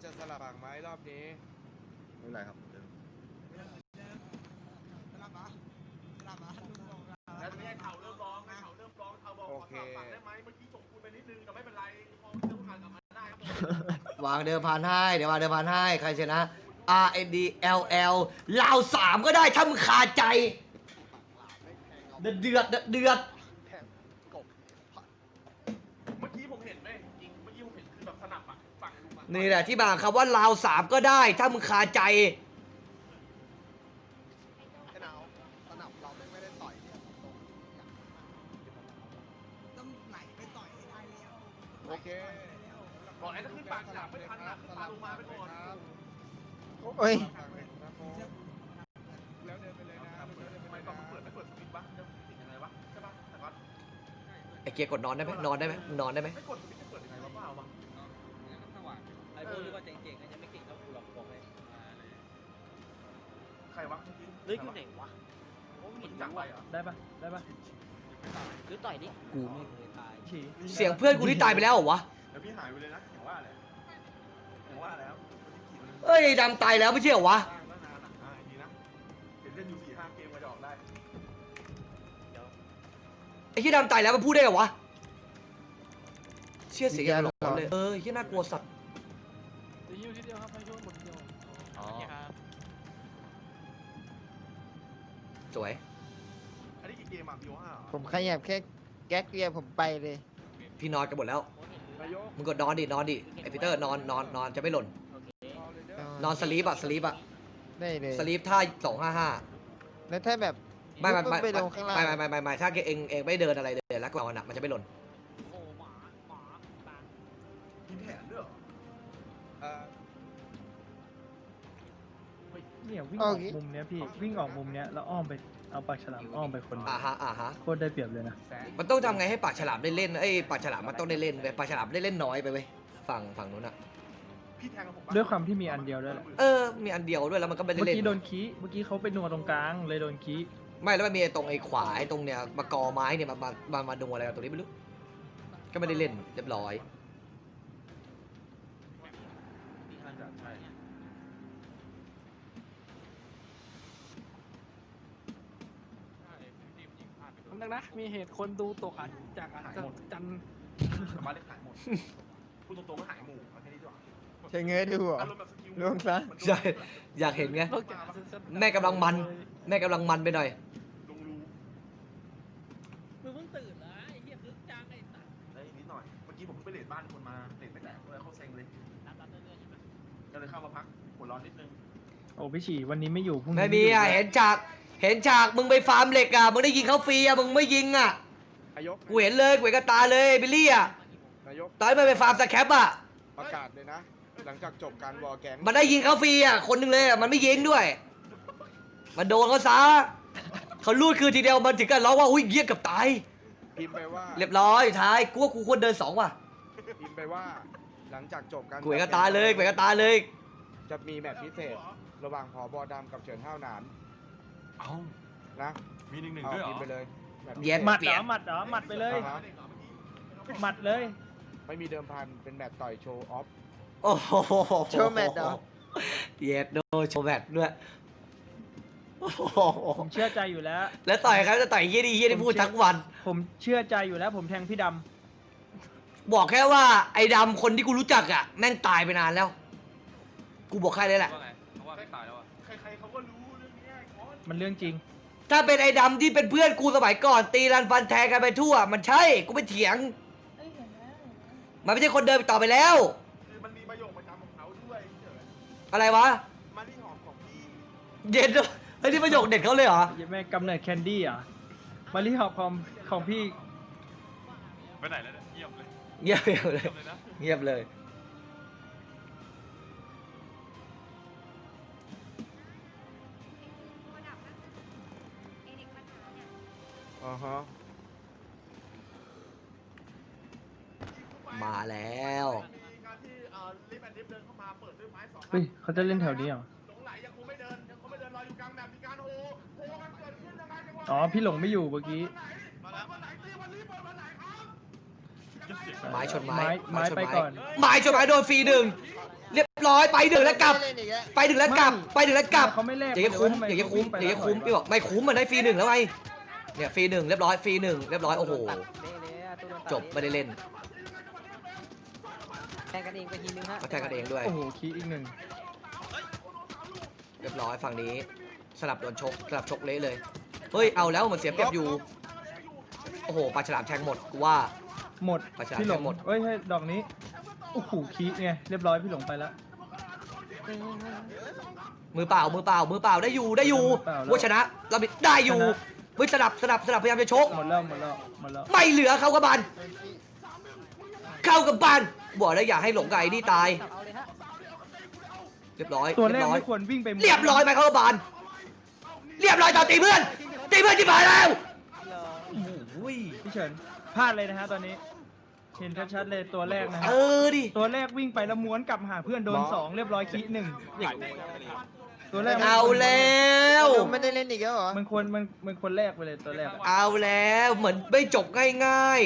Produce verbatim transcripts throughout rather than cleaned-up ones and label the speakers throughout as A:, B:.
A: จะสลับฝั่งไหมรอบนี้
B: ไม่เป็นไรครับ
C: สลับมาสลับมา
D: แล้วไม่ใช่เข่าเริ่มร้องเข่าเริ่มร้องเข่าบอกขอสลับฝั่งได้ไหมเมื่อกี้ส่งคุณไปนิดนึงแต่ไม่เป็นไรพอเริ่มผ่านกลับมาได้ครับ
E: วางเดิมพันให้เดี๋ยววางเดิมพันให้ใครชนะ R N D L L ลาวสามก็ได้ถ้ามึงคาใจเดือดเดือดเดือด
D: เมื่อกี้ผมเห็นไหมจริงเมื่อกี้ผมเห็นคือแบบสนับอ่ะฝั่งลุงอ่ะ
E: นี่แหละที่มาคำว่าลาวสามก็ได้ถ้ามึงคาใจ
A: ไอ้หนาวสนับเราไม่ได้ต่อยเนี่ย
C: ต้องไหลไปต่อยให้ได้แล้ว
A: โอเค
D: บอกไอ้ถ้าขึ้นปากจับไม่ทันนะขึ้นปากลงมาไปก่อน
B: โอ้ย
A: แล้วเดินไปเลยนะ
D: ทำไมต้องเปิดไม่เปิดสวิตช์วะจะติดยังไงวะใช่ปะแต่ว่า
E: ไอ้เกียร์กดนอนได้ไหมนอนได้ไหมนอนได้ไหม
D: ไม่กดสวิตช์จะเปิดยังไงวะเปล่าวะ
F: ไอ้พวกที่ว่าเจ๋งๆก็ยังไม่เก่งเท่ากูหรอกบอกเลย
D: ใครวะ
F: เฮ้ยอยู่ไหนวะ
D: มันจับไปเหรอ
G: ได้ปะได้ปะ
F: หรือต่อยดิกูไม่เคยตาย
G: ฉี่
E: เสียงเพื่อนกูที่ตายไปแล้วเหรอวะ
D: แล้วพี่หายไปเลยนะอย่างว่าเลยอย่างว่าแล้ว
E: เอ้ยดำตายแล้วไม่ใช่เหรอวะ
D: ตั้งตั้งนานอ่ะอ่าดีนะเห็นเล่นอยู่สี่ห้าเกมมาจะออกได้
E: ไอ้ที่ดำตายแล้วมันพูดได้เหรอวะเชี่ยเสียงหลอนเลยเออที่น่ากลัวสัตว์
G: จะยิ้วทีเดียวครับให้ยุ่งหมดทีเดียวอ๋อ
E: สวย
D: อันนี้กี่เกมอ่ะพีโอห้า
B: ผมขยับแค่แก๊กเดียวผมไปเลย
E: พี่นอนกันหมดแล้ว
A: นายก
E: มึงกดนอนดินอนดิไอพีเตอร์นอนนอนนอนจะไม่หล่น นอนสลีปอะสลีปอะ
B: ได้เลย
E: สลีปท่าสองห้าห้า
B: แล้วถ้าแบบ
E: ไม่ไม่
B: ปุ๊บ
E: ไม่
B: ไปลงข้างล่าง
E: ไม่ไม่ไม่ไม่ไม่ถ้าเองเองไม่เดินอะไรเลยแล้วก็นอนอะมันจะไม่หล่น
F: โอ้หมาหมาตา
D: มีแผนด้วยเหรอ
A: เอ่อ
G: เนี่ยวิ่งออกมุมเนี้ยพี่วิ่งออกมุมเนี้ยแล้วอ้อมไปเอาปากฉลามอ้อมไปคน
E: อ่าฮะอ่าฮะ
G: โคตรได้เปรียบเลยนะ
A: แสน
E: มันต้องทำไงให้ปากฉลามได้เล่นไอ้ยปากฉลามมันต้องได้เล่นเว้ยปากฉลามได้เล่นน้อยไปเว้ยฝั่งฝั่งนู้นอะ
D: พี่แทงกับผม
G: ด้วยความที่มีอันเดียวด้วยแหละ
E: เออมีอันเดียวด้วยแล้วมันก็ไม่ได้
G: เมื่อ
E: เล่น
G: กี้โดนคีเมื่อกี้เขาไปนัวตรงกลางเลยโดนคี
E: ไม่แล้วมันมีไอ้ตรงไอ้ขวาไอ้ตรงเนี้ยมากอไม้เนี่ยมามามามาดูอะไรกันตรงนี้ไม่รู้ก็ไม่ได้เล่นเรียบร้อย
D: น่าจะใช่
G: นึงนะมีเหตุคนดูตกอัดจากอัดจัน
D: สามารถเล่นหายหมดพูดตรงๆก็หายหมู่เอาแค่นี้ดีกว่า
B: ใช้เงยดูเหรอ
D: อารมณ์แบบสกิล
B: ลงซะ
E: ใช่อยากเห็นไง แม่กำลังมัน แม่กำลังมันไปหน่อย
D: ลงรู
F: มึงเพิ่งตื่นเหรอไอ้เหี้ยคึกจังไอ้สัส
D: ได้นิดหน่อย เมื่อกี้ผมเพิ่งไปเลดบ้านคนมาเลดไม่แตกเลยเขาเซ็งเลย
F: รับรับเรื่อยๆใช่ไหม
D: ก็เลยเข้ามาพักหัวร้อนนิดนึง
G: โอ้พี่ฉี่วันนี้ไม่อยู่พรุ่งนี้
E: ไม่มีอ่ะเห็นฉากเห็นฉากมึงไปฟาร์มเหล็กอ่ะมึงได้ยิงเขาฟรีอ่ะมึงไม่ยิงอ่ะ
A: นายก
E: กูเห็นเลยกูเห็นกับตาเลยบิลลี่อ่ะ
A: นายก
E: ตอนที่มันไปฟาร์มสแคปอ่ะ
A: ประกาศเลยนะ หลังจากจบการวอลแกง
E: มันได้ยิงเขาฟรีอ่ะคนหนึงเลยอ่ะมันไม่ยิงด้วย มันโดนเขาซะเขาลูดคือทีเดียวมันถึงกับร้องว่าอุ้ยเยี่ยกับตาย
A: พิมพ์ไปว่า
E: เรียบร้อยท้ายกูว่ากูควรเดินสองว่ะ
A: พิมพ์ไปว่า หลังจากจบการ
E: กูเห็นกับตาเลยกูเห็นกับตาเลย
A: จะมีแมตช์พิเศษ ระหว่างผอบอดำกับเฉินห้าวหนาน
D: เอ้า
A: นะ
D: มีหนึ่งหนึ่ง
A: เอา
D: ด้วยเหร
A: พิมพ์ไป
D: อ
A: เลยแมตช์พิ
E: เย็
A: เศ
E: น
A: ษ
G: หมัดเหรอหมัดเหรอหมัดไปเลย
A: อ่าฮะ
G: หมัดเลย
A: ไม่มีเดิมพันเป็นแมตช์ต่อยโชว์ออฟ
E: โอ้โห
B: โชว์แมตช์เหรอ
E: เย็ดโดโชว์แมตช์ด้วยโอ้โห
G: ผมเชื่อใจอยู่แล้ว
E: แล้วต่อยครับจะต่อยเยี่ยดีเยี่ยดีพูดทั้งวัน
G: ผมเชื่อใจอยู่แล้วผมแทงพี่ด
E: บอกแค่ว่าไอ้ดำคนที่กูรู้จักอ่ะแม่งตายไปนานแล้ว กูบอกแค่นี้แหละ
D: ว่าไงเขาว่าไม่ตายแล้วอ่ะใครๆเขาก็รู้เรื่องนี้ไอ้คอน
G: ำมันเรื่องจริง
E: ถ้าเป็นไอ้ดำที่เป็นเพื่อนกูสมัยก่อนตีรันฟันแทงกันไปทั่ว มันใช่กูไม่เถียง มันไม่ใช่คนเดิมอีกต่อไปแล้ว
D: คือมันมีประโยคประจำของเขาด้วยเฉย
E: อะไรวะ
D: มาที่หอมของพี่
E: เย็นด้วยเฮ้ยนี่ประโยคเด็ดเขาเลยเหรอ
G: ยังแม่กำเนิดแคนดี้อ่ะมารีหอบของของพี่
D: ไปไหนแล้วเนี่ยเงียบเลย
E: เงียบเลย
D: เงียบเลยนะ
E: เงียบเลย
A: อ่าฮะ
E: มาแล้ว
D: การที่เอ่อลิฟต์แอนด์ดิฟเดินเข้ามาเปิดด้วยไม้สอง
G: เฮ้ยเขาจะเล่นแถวนี้เหรอ
D: หลงไหลยังคงไม่เดินยังคงไม่เดินรออยู่กลางแบบมีการโฮโฮกันเกิดขึ้นยังไงจังหวะ
G: อ๋อพี่หลงไม่อยู่เมื่อกี้
D: มาแล้ววันไหนตีวันนี้เปิดวันไหนครับยังไง
E: ไม้ชนไม้
G: ไม้ไม้
E: ชน
G: ไปก่อน
E: ไม้ชนไม้โดนฟรีหนึ่งเรียบร้อยไปหนึ่งแล้วกลับ
B: ไม่ได้เนอีกแล้ว
E: ไปหนึ่งแล้วกลับไปหนึ่งแล้วกลับ
G: เขาไม่แลก
E: อย่างเงี้ยคุ้ม
G: ทำไ
E: อย่างเงี้ยคุ้ม
G: เขา
E: อย่าง
G: วิ่
E: เงี้ย
G: ไป
E: คุ้ม
G: แล้ว
E: พี่บอกไม่คุ้มมันได้ฟรีหนึ่งแล้วไงเนี่ยฟรีหนึ่งเรียบร้อยฟรีหนึ่งเรียบร้อยโอ้โหจบไม่ได้เล่น
F: แทงกันเองไปทีนึงฮะ
E: มาแทงกันเองด้วย
G: โอ้โหคีย์อีกหนึ่ง
E: เรียบร้อยฝั่งนี้สลับโดนชกสลับชกเละเลยเฮ้ยเอาแล้วมันเสียเปรียบอยู่โอ้โหปลาฉลามแทงหมดกูว่า
G: หมด
E: ประชา
G: พี่หลง
E: หมด
G: เอ้ยให้ดอกนี้โอ้โหคีย์ไงเรียบร้อยพี่หลงไปแล้ว
E: มือเปล่ามือเปล่ามือเปล่าได้อยู่ได้อยู่
G: มือเปล่าแล้ว
E: ว่าชนะเราได้อยู่
G: ชนะ
E: เฮ้ยสลับสลับสลับพยายามจะชก
G: หมดแล้วหมดแล้วหมดแล้ว
E: ไม่เหลือเข้ากับบานเข้ากับบานบอกแล้วอย่าให้หลงกับไอ้นี่ตาย
F: เอาเลยฮะ
E: เรียบร้อย
G: ตัวแร
E: เรี
G: ก
E: ยบร้อย
G: ไม่ควรวิ่งไปหมด
E: เรียบร้อยไปเข้ากับบานเรียบร้อยต่อตีเพื่อนตีเพื่อนที่ผ่านแล้วโอ้ย
G: พี่เฉินพลาดเลยนะฮะตอนนี้ เห็นชัดๆเลยตัวแรกนะฮะ
E: เออดิ
G: ตัวแรกวิ่งไปแล้วม้วนกลับหาเพื่อนโดนสองเรียบร้อยคีย์หนึ่งตัวแรก
E: เอาแล้ว
B: ไม่ได้เล่นอีกแล้วเหรอ
G: มันควรมันมันควรแรกไปเลยตัวแรกอะ
E: เอาแล้วเหมือนไม่จบง่าย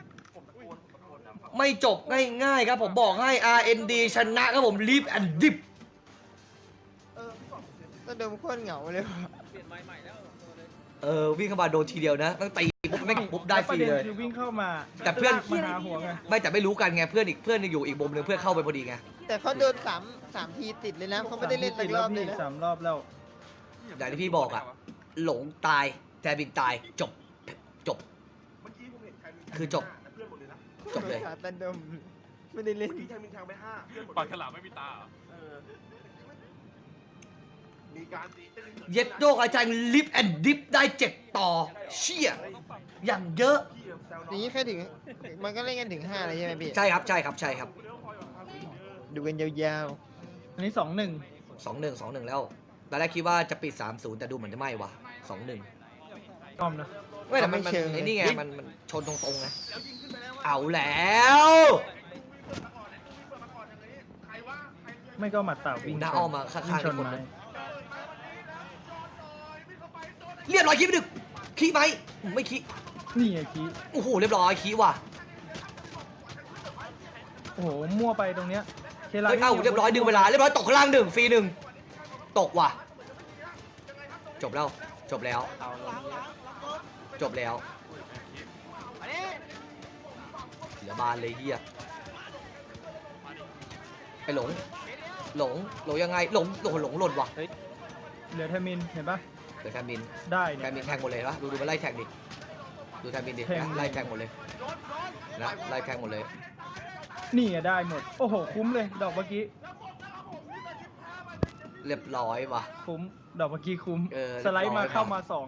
E: ๆ ไม่จบง่ายๆครับผมบอกให้ อาร์ เอ็น ดี ชนะครับผมรีบแอนดิบ
B: ก็เดิมโคตรเหงาเลยว่ะ
F: เปลี่ยนไม้ใหม่แล้วตัวเลย
E: เออวิ่งเข้ามาโดนทีเดียวนะตั้งตีปุ๊บไม่ปุ๊บได้ฟรี
G: แว
E: เล
G: ประ
E: ย
G: นคือวิ่งเข้ามา
E: แต่เพื่อน
G: ลากมาหาหัวไง
E: ไม่แต่ไม่รู้กันไงเพื่อนอีกเพื่อนอยู่อีกมุมนึงเพื่อนเข้าไปพอดีไง
B: แต่เขาโดนสามสามทีติดเลยนะเขาไม่ได้เล่นสักรอบเลยนะ
G: สามรอบแล้ว
E: อย่างที่พี่บอกอะหลงตายแทบินตายจบจบ
D: เมื่อกี้ผมเห็นใครมี
E: คือจบ
D: เพื่อนหมดเลยนะ
E: จบเลย
B: ขาตันดมไม่ได้เล่น
D: เมื่อกี้ใครมีทางไปห้าเพื่อนหมด
H: ปากฉลามไม่มีตาเหรอ
D: เออมีการตีเต้นกิด
E: เย็ดโยกอาจารย์ลิฟแอนดิฟได้เจ็ดต่อเชี่ยอย่างเยอะ
D: พี่แซว
B: อ
D: น้
B: ย่างนี้แค่ถึง มันก็เล่นกันถึงห้าเลยใช่ไหมพี่
E: ใช่ครับใช่ครับใช่ครับ
B: ดูกันยาว
G: อันนี้สองหนึ่ง
E: สองหนึ่งสองหนึ่งแล้วตอนแรกคิดว่าจะปิดสามศูนย์แต่ดูเหมือนจะไม่ว่ะสองหนึ่ง
G: อ้อมนะ
E: ไม่แต่มันมันไอ้นี่ไงมันมันชนตรงๆไง
D: แล้วยิงขึ้นไปแล้ว
E: เอาแล้ว
D: ใครว่าใคร
G: ไม่ก็หมัดเต่าวิ่ง
E: หน้าอ้อมมาข้างๆ
G: วิ่ชน
E: อีกคน
G: ไม้
E: นึง เรียบร้อยคิดไปดึกขี้ไหมไม่ขี้
G: นี่ไงคีย์
E: โอ้โหเรียบร้อยขี้ว่ะ
G: โอ้โหมั่วไปตรงเนี้ยเคลา
E: เฮ้ยเอ้าเรียบร้อยดึงเวลาเรียบร้อยตกข้างล่างหนึ่งฟรีหนึ่งตกว่ะจบแล้วจบแล้วจบแล้วเหลือบานเลยเฮียไอ้หลงหลงหลงยังไงหลงโอ้โหหลงหล่นว่ะ
G: เหลือเทมินเห็นปะ
E: เดี๋ยวแทนมิน
G: ได้
E: แท
G: เนี่ย
E: นมินแทงหมดเลยวะดูดูมันไล่แทงดิดูแทนมินดิ
G: แทง
E: นะไล่แทงหมดเลยนะไล่แทงหมดเลย
G: นี่ไงได้หมด โอ้โหคุ้มเลย ดอกเมื่อกี้
E: เรียบร้อยว่ะ
G: คุ้มดอกเมื่อกี้คุ้ม
E: เออ
G: สไลด์มา
E: เรียบร้อย
G: เข้ามาสอง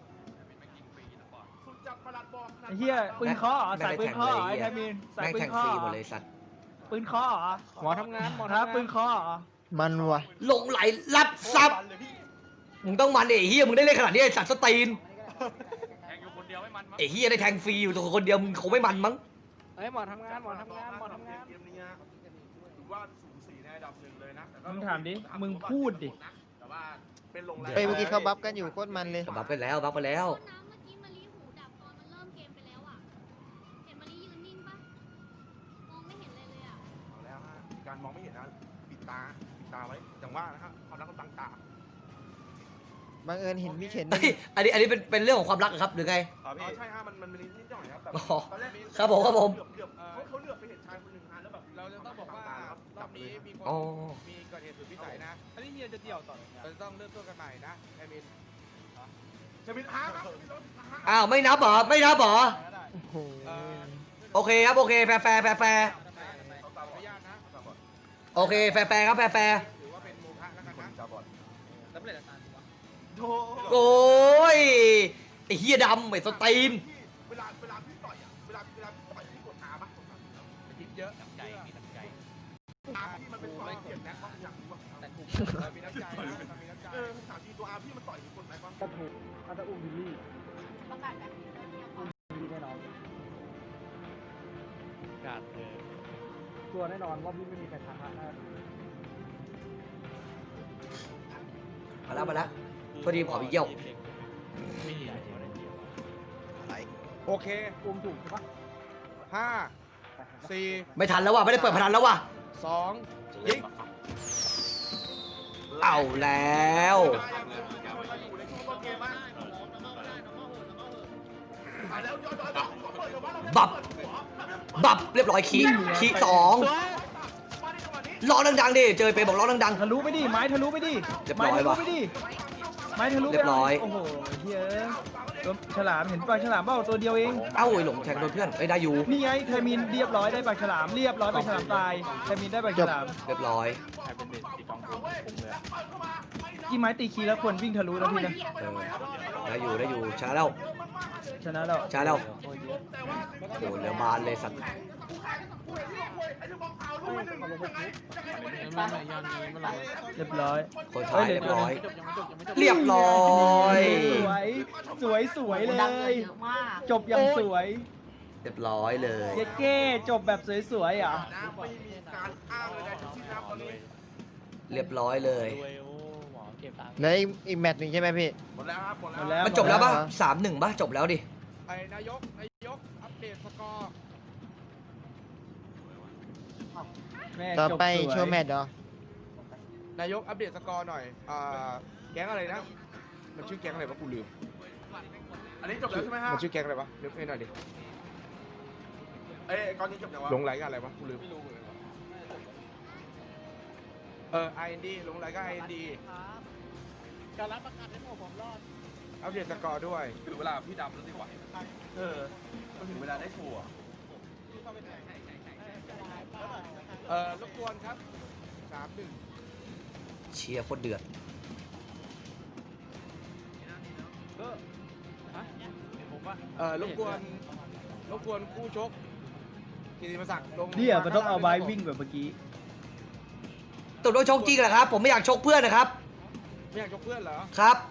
D: สุดจับประหลัดบอก
G: ไอ้เหี้ยปืนเคาะเหรอสายปืนเคาะเหรอไอ้เทมินสาย
E: แม่ง
G: ปื
E: แท
G: น
E: ง
G: เคาะ
E: ฟรี
G: เหร
E: หม
G: อ
E: ดเลยสัตว์
G: ปืนเคาะเหรอ
F: หมอทำงานหมอ
G: ครั
F: ทำ
G: บ
F: งาน
G: ปืนเคาะเหรอ
B: ๆมันว่ะ
E: หลงไหลรับซับมึงต้องมันดิไอ้เฮียมึงได้เล่นขนาดนี้ไอ้สัตว์สตีน
H: แทงอยู่คนเดียวไม่มันมั้ง
E: ไอ้เฮียได้แทงฟรีอยู่ตัวคนเดียวมึงคงไม่มันมั้ง
F: เฮ้ยหมอทำงานหมอทำงานหมอทำงาน
D: เกมนี้ถือว่าสูสีในอันดับหนึ่งเลยนะแต่ก็
G: มึงถามดิ มึงพูดดิ
D: แต่ว่าเป็นลงแรง
B: เฮ้ยเมื่อกี้เขาบัฟกันอยู่โคตรมันเลย
E: บัฟไปแล้วบัฟไปแล้ว
I: น้ำเมื่อกี้มารีหูดับตอนมันเริ่มเกมไปแล้วอ่ะ เห็นมารียืนนิ่งปะมองไม่เห็นเลยเลยอ่ะ
D: เอาแล้วฮะการมองไม่เห็นนะปิดตาปิดตาไว้อย่างว่านะครับความรักเขาตั้งตา
B: บังเอิญเห็นพี่เข็น
E: เฮ้ยอันนี้อันนี้เป็นเป็นเรื่องของความรักเหรอครับหรือไง
D: อ๋อใช่ฮะมันมันมีนิดหน่อยครับแบบ
E: อ๋อ
D: ตอนแรกมี
E: ครับผมครับผม
D: เหลือบเหลือบเขาเขาเหลือบไปเห็นชายคนหนึ่งฮะแล้วแบบ
A: เราจะต้องบอกว่ารอบนี้มีคน
E: อ๋อ
A: มีเกิดเหตุสุดวิสัยนะ
G: อันนี้เฮียจะเดี่ยวต่อ
A: เราจะต้องเริ่มต้นกันใหม่นะไอมิน
D: จะมีท้าครับจะมีรถท้า
E: อ้าวไม่นับเหรอไม่นับเหรอ
B: โอ้โห
E: โอเคครับโอเคแฟร์แฟร์แฟร์แฟร์
A: ขออนุญาตนะ
E: โอเคแฟร์แฟร์ครับแฟร์แฟร์
A: ถือว่าเป็นโมฆะแล้วกันนะ
F: แล้วเปลี่ยนอาจารย์วะ
D: โธ
E: โอ้ยไอ้เฮียดำไอ้สตีน
D: เวลาเวลาพี่ต่อยอ่ะเวลาเวลาพี่ต่อยพี่กดอาปะ
A: คิดเยอะ
H: น้ำใจมีน้ำใจ
D: อาพี่มันเป็นความเกลียดแน็กบ้างอย่างรู้ป่ะ
F: แต่ถูก
A: เรามีน้ำใจนะเรามีน้ำใจ
D: เออถามจริงตัวอาพี่มันต่อยทุกคนไหมบ้าง
G: ก็ถูกอาจจะอุ้มบิลลี่
I: ประกาศแบบนี้เลยเนี่ย
G: บิลลี่แน่นอน
H: กาดเออ
G: ตัวแน่นอนว่าพี่ไม่มีใครท้าแน่
E: มาแล้วมาแล้วพอดีขอพี่เยี่ยว
A: โอเค
G: อุ้มถูกใช่ปะ
A: ห้าสี่
E: ไม่ทันแล้วว่ะไม่ได้เปิดพนันแล้วว่ะ
A: สองยิง
E: เอาแล้ว
D: อยู่ในช่วงต้นเกมบ้างแล้วย้อนย้อนเปิดเดี๋ยวว่าเรา
E: บับ บับเรียบร้อยคีคีสองร้องดังๆดิ เจอไปบอกร้องดัง
G: ทะลุไปดิ ไม้ทะลุไปดิ
E: เรียบร้
G: ไม้
E: อย
G: ทะลุ
E: ว่ะ
G: ไปดิ ไม้ทะลุไป
E: เรียบร้อย
G: โอ้โหเฮ้ยตัวฉลามเห็นปลาฉลามเปล่าตัวเดียวเอง
E: ๆ เอ้าโอ้ยหลงแทงโดนเพื่อนเอ้ยได้อยู่
G: นี่ไงไทมินเรียบร้อยได้ปลาฉลามเรียบร้อยปลาฉลามตายไทมินได้ปลาฉลาม
E: เรียบร้อย
H: ใครเป็นเด็กตีกองผมผมเลย
G: กี่ไม้ตีคีแล้วควรวิ่งทะลุนะพี่นะ
E: เออได้อยู่ได้อยู่ชนะแล้ว
G: ชนะแล้ว
E: ชนะแล้วโอ้โหเหลือบานเลยสัตว์
G: เรียบร้อย
E: คนท้ายเรียบร้อย
G: เรี
E: เรียบร้อย
G: สวย สวย สวยเลย จบอย่างสวย
E: เรียบร้อยเลย
G: เย้เก้จบแบบสวยๆอ่ะ
D: น้ำไม่มีการอ้างเลยนะที่น้ำตอนนี้
E: เรียบร้อยเลย
H: รวยโอ้หมอเก็บตังค์
B: แล้วอีกอีกแมตช์หนึ่งใช่ไหมพี่
D: หมดแล้วครับหมด
G: หมด
D: แล้
G: แล้ว ว
E: มันจบแล้วป่ะ
B: หมดแล้ว
E: สามหนึ่งป่ะจบแล้วดิ
A: ไอ้นายกนายกอัปเดตสกอร์
G: แม่
B: ต่อ
G: จบ
B: ไป
G: สวย
B: โชว์แมตช์เหรอ
A: นายกอัปเดตสกอร์หน่อยอ่าแก๊งอะไรนะมันชื่อแก๊งอะไรวะกูลืม
D: อันนี้จบแล้วใช่ไหมฮะ
A: มันชื่อแก๊งอะไรวะนึกให้หน่อยดิ
D: เอ้ยก่อนนี้จบยังวะ
A: หลงไหลกันอะไรวะกูลืมเออ ไอ เอ็น ดี หลงไหลก็ ไอ เอ็น ดี
F: การรับประกันให้ผมผมรอด
A: อัปเดตสกอร์ด้วย
D: ถึงเวลาพี่ดำแล้วดีกว่าเออมันถึงเวลาได้โชว์
A: เออรบกวนครับสามหนึ่ง
E: เชียร์โคตรเดือด
A: เออรบกวนรบกวนคู่ชกกิติมศักดิ์ลง
G: เนี่ยมันต้องเอาไม้วิ่งแบบเมื่อกี้
E: ตกลงชกจริงเหรอครับ ผมไม่อยากชกเพื่อนนะครับ
A: ไม่อยากชกเพื่อนเหรอ
E: ครับ